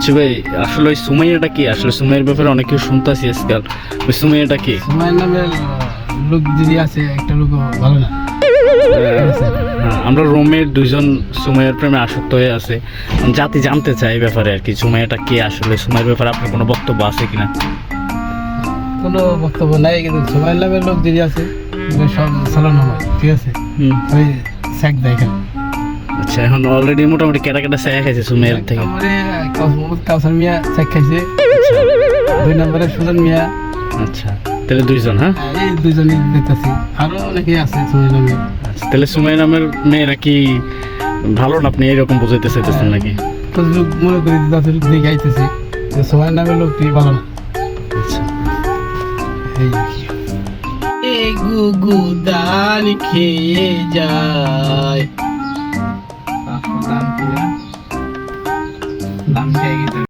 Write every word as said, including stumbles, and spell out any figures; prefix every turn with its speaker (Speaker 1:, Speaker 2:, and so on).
Speaker 1: বলছি ভাই আসলে ওই সুমাইয়াটা কি, আসলে সুমাইয়ের ব্যাপারে অনেক কিছু শুনতেছি আজকাল, ওই সুমাইয়াটা কি?
Speaker 2: সুমাইয়ার নামে লোক যদি আছে একটা লোক ভালো না।
Speaker 1: হ্যাঁ, আমরা রোমের দুইজন সুমাইয়ার প্রেমে আসক্ত হয়ে আছে, জাতি জানতে চাই এই ব্যাপারে আর কি, সুমাইয়াটা কি আসলে, সুমাইয়ের ব্যাপারে আপনার কোনো বক্তব্য আছে কিনা?
Speaker 2: কোনো বক্তব্য নাই, কিন্তু সুমাইয়ার নামের লোক যদি আছে সব চালানো হয়, ঠিক আছে।
Speaker 1: হুম,
Speaker 2: ওই স্যাক দেয় এখানে।
Speaker 1: আচ্ছা, এখন অলরেডি মোটামুটি কেটা কেটা স্যাক খাইছে সুমাইয়ার থেকে?
Speaker 2: নম্বরে মোহাম্মদ কাউসার মিয়া স্যাক খাইছে, দুই নম্বরে সুজন মিয়া।
Speaker 1: আচ্ছা, তাহলে দুইজন। হ্যাঁ,
Speaker 2: এই দুইজনই দেখতেছি, আরো অনেকেই আছে সুমাইয়ার নামে।
Speaker 1: আচ্ছা, তাহলে সুমাইয়া নামের মেয়েরা কি ভালো না, আপনি এরকম বুঝাইতে চাইতেছেন নাকি?
Speaker 2: তো লোক মনে করি তাদের দিকে আইতেছে যে সুমাইয়ার নামের লোকটি ভালো না।
Speaker 1: আচ্ছা,
Speaker 2: এই এই গুগু দান খেয়ে যায়, দাম খেয়ে গেছে।